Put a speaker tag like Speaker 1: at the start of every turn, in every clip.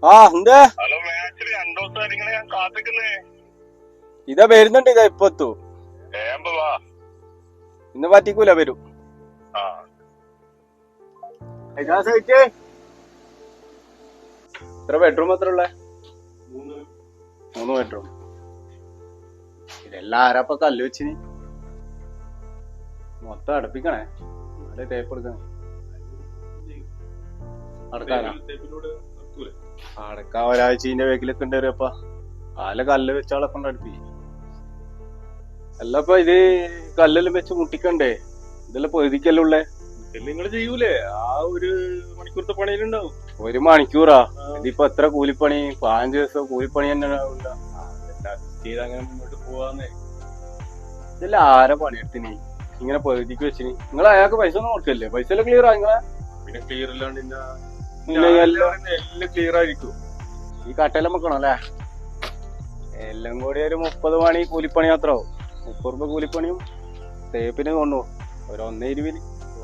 Speaker 1: ആ എന്തേ
Speaker 2: ഹലോ മാച്ചില് 2 ദിവസം ഞാൻ കാത്തിക്കുന്നേ.
Speaker 1: ഇതാ വരുന്നുണ്ട്. ഇതാ ഇപ്പൊ എത്തു.
Speaker 2: വാ,
Speaker 1: ഇന്ന് പറ്റിക്കൂല. വരും.
Speaker 2: ആ
Speaker 1: എത്ര ബെഡ്റൂം എത്ര ഉള്ളേ? 3 ബെഡ്റൂം. ഇതെല്ലാം ആരാപ്പ കല്ല് വെച്ചിന്? മൊത്തം അടുപ്പിക്കണേ. നല്ല ടേപ്പ് എടുക്കണേ. അടക്കാൻ ഒരാഴ്ചന്റെ വേക്കിലൊക്കെ ഉണ്ടായിരുന്നപ്പ ആല കല്ല് വെച്ചാളെ കൊണ്ട് അടുപ്പിക്കും. അല്ലപ്പ ഇത് കല്ലെല്ലാം വെച്ച് മുട്ടിക്കണ്ടേ? ഇതെല്ലാം പൊതിക്കല്ലുള്ളേ.
Speaker 3: നിങ്ങൾ ചെയ്യൂലേ? ആ ഒരു മണിക്കൂറത്തെ പണിയിലുണ്ടാവും.
Speaker 1: 1 മണിക്കൂറാ? ഇതിപ്പോ എത്ര കൂലിപ്പണി? 15 ദിവസം കൂലിപ്പണി തന്നെ
Speaker 3: ചെയ്ത് അങ്ങനെ മുന്നോട്ട് പോവാന്നേ.
Speaker 1: ഇതെല്ലാം ആരാ പണിയെടുത്തിന് ഇങ്ങനെ പൊതിക്ക് വെച്ചിന്? നിങ്ങൾ അയാൾക്ക് പൈസ ഒന്നും കൊടുക്കല്ലേ? പൈസ എല്ലാം ക്ലിയർ ആങ്ങളെ?
Speaker 3: പിന്നെ ക്ലിയർ ഇല്ലാണ്ട്
Speaker 1: എല്ലാം
Speaker 3: ക്ലിയർ ആയിരിക്കും.
Speaker 1: ഈ കട്ടയെല്ലാം വെക്കണം അല്ലേ? എല്ലാം കൂടി ഒരു 30 മണി കൂലിപ്പണി മാത്രമാവും. 30 രൂപ കൂലിപ്പണിയും തേപ്പിന് കൊണ്ടുപോകും. ഒരു 1.20.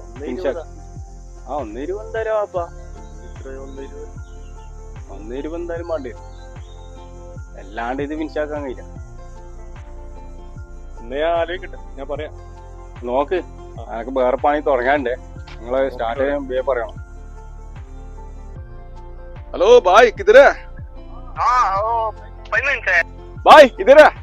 Speaker 1: ആ 1.20 എന്തായാലും ആപ്പാ. 1.20 എന്തായാലും വേണ്ടി വരും. അല്ലാണ്ട് ഇത് ഫിനിഷാക്കാൻ കഴിയില്ല.
Speaker 3: ഞാൻ ആലോചിക്കട്ടെ, ഞാൻ പറയാം.
Speaker 1: നോക്ക്, അനക്ക് വേറെ പണി തുടങ്ങാണ്ടേ. നിങ്ങള് സ്റ്റാർട്ട് ചെയ്യാൻ പറയണം.
Speaker 3: हेलो भाई किधर है?
Speaker 1: भाई किधर है?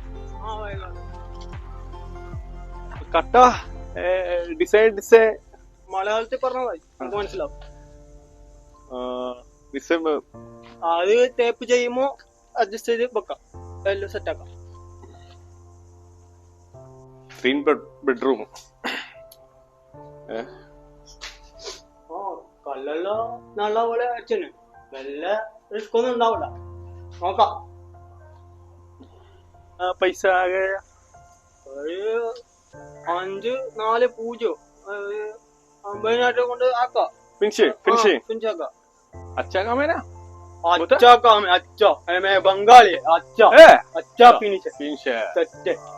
Speaker 1: കട്ട ഡിസൈഡ്
Speaker 4: മലയാളത്തിൽ പറഞ്ഞതായി നമുക്ക് മനസ്സിലാവും. അത് ടേപ്പ് ചെയ്യുമ്പോ അഡ്ജസ്റ്റ് ചെയ്ത് വെക്കാം, എല്ലാം സെറ്റ് ആക്കാം.
Speaker 3: 3 bedroom.
Speaker 4: കല്ലെല്ലാം നല്ല പോലെ അച്ഛന് വല്ല റിസ്ക് ഒന്നും ഉണ്ടാവില്ല. നോക്കാം.
Speaker 3: പൈസ ആകെ
Speaker 4: ഒരു 5-4 50,000 കൊണ്ട് ആക്കാം. ഫിനിഷാക്കാം.
Speaker 3: अच्छा काम है ना?
Speaker 4: अच्छा काम है. अच्छा मैं बंगाली. अच्छा अच्छा फिनिश
Speaker 3: है.
Speaker 4: सेट